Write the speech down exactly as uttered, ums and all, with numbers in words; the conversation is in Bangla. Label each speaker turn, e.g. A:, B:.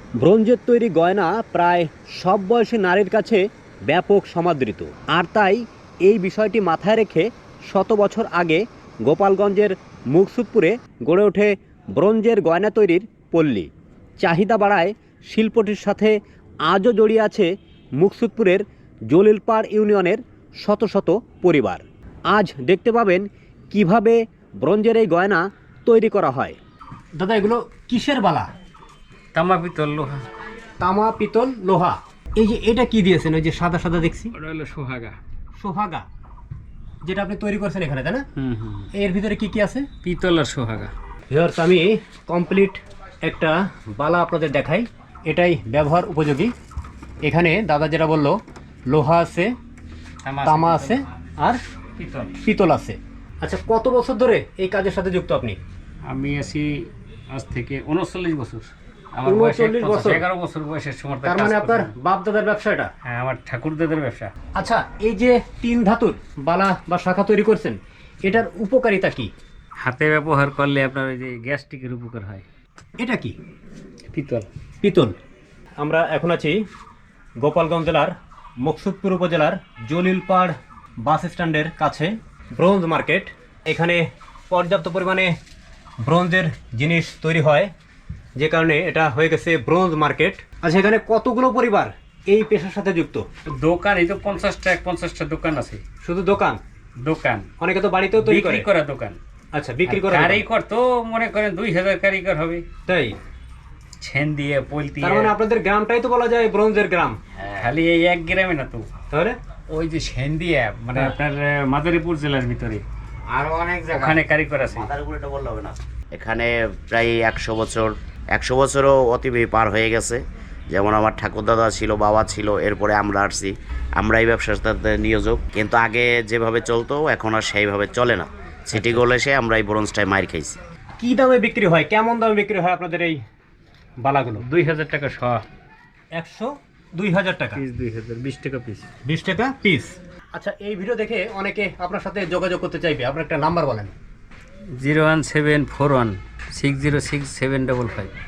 A: ব্রোঞ্জের তৈরি গয়না প্রায় সব বয়সী নারীর কাছে ব্যাপক সমাদৃত, আর তাই এই বিষয়টি মাথায় রেখে শত বছর আগে গোপালগঞ্জের মুকসুদপুরে গড়ে ওঠে ব্রোঞ্জের গয়না তৈরির পল্লী। চাহিদা বাড়ায় শিল্পটির সাথে আজও জড়িয়ে আছে মুকসুদপুরের জলিলপাড় ইউনিয়নের শত শত পরিবার। আজ দেখতে পাবেন কিভাবে ব্রোঞ্জের এই গয়না তৈরি করা হয়। দাদা, এগুলো কিসের বালা?
B: তামা পিতল লোহা।
A: তামা, পিতল, লোহা। এই যে এটা কি দিয়েছেন, ওই যে সাদা সাদা দেখছি,
B: ওটা হলো সোহাগা।
A: সোহাগা, যেটা আপনি তৈরি করছেন এখানে, তাই না?
B: হুম হুম।
A: এর ভিতরে কি কি আছে?
B: পিতল আর সোহাগা।
A: ভিউয়ার্স, আমি কমপ্লিট একটা বালা আপনাদের দেখাই, এটাই ব্যবহার উপযোগী। এখানে দাদা যেটা বললো, লোহা আছে, তামা আছে আর
B: পিতল
A: পিতল আছে। আচ্ছা, কত বছর ধরে এই কাজের সাথে যুক্ত আপনি?
B: আমি আছি আজ থেকে উনচল্লিশ বছর। আমার
A: উনচল্লিশ বছর?
B: এগারো বছর বয়সের সময়
A: তার মানে আপনার বাপ দাদার ব্যবসা এটা?
B: হ্যাঁ, আমার ঠাকুরদাদের ব্যবসা।
A: আচ্ছা, এই যে তিন ধাতুর বালা বা শাখা তৈরি করছেন, এটার উপকারিতা কি?
B: হাতে ব্যবহার করলে আপনার ওই যে গ্যাস্ট্রিকের উপকার হয়।
A: এটা কি?
B: পিতল।
A: পিতল। আমরা এখন আছি গোপালগঞ্জ জেলার মুকসুদপুর উপজেলার জলিলপাড় বাস স্ট্যান্ডের কাছে, ব্রোঞ্জ মার্কেট। এখানে পর্যাপ্ত পরিমাণে ব্রোঞ্জের জিনিস তৈরি হয়, যে কারণে এটা হয়ে গেছে ব্রোঞ্জ মার্কেট। আচ্ছা, এখানে কতগুলো পরিবার এই পেশার সাথে যুক্ত?
B: দোকান এই তো পঞ্চাশটা পঞ্চাশটা দোকান আছে।
A: শুধু দোকান?
B: দোকান,
A: অনেকে তো বাড়িতেও তৈরি করে।
B: বিক্রি করা দোকান।
A: আচ্ছা, বিক্রি করা।
B: কারিগর তো মনে করেন দুই হাজার কারিগর হবে।
A: তাই?
B: ছেন দিয়ে পোল দিয়ে।
A: তার মানে আপনাদের গ্রামটাই তো বলা যায় ব্রোঞ্জের গ্রাম।
B: খালি এই এক গ্রামে না তো,
A: তাহলে
B: ওই যে সেন দিয়ে মানে আপনার মাদারীপুর জেলার ভিতরে
C: আরো অনেক জায়গা
B: ওখানে কারিগর আছে।
C: মাথার উপরে এটা বললে হবে না। এখানে প্রায় একশো বছর একশো বছরও অতিবে পার হয়ে গেছে। যেমন আমার ঠাকুরদাদা ছিল, বাবা ছিল, এরপরে আমরা আসছি। আমরা এই ব্যবসার সাথে নিয়োজক, কিন্তু আগে যেভাবে চলতো এখন আর সেইভাবে চলে না। সিটি গোল এসে আমরা এই ব্রোঞ্জটায় মার খাইছি।
A: কি দামে বিক্রি হয়, কেমন দামে বিক্রি হয় আপনাদের এই বালাগুলো?
B: দুই হাজার টাকা শ।
A: একশো দুই হাজার টাকা
B: পিস দুই হাজার, বিশ টাকা পিস।
A: বিশ টাকা পিস। আচ্ছা, এই ভিডিও দেখে অনেকে আপনার সাথে যোগাযোগ করতে চাইবে, আপনার একটা নাম্বার বলেন।
B: Zero one seven four one six zero six seven double five.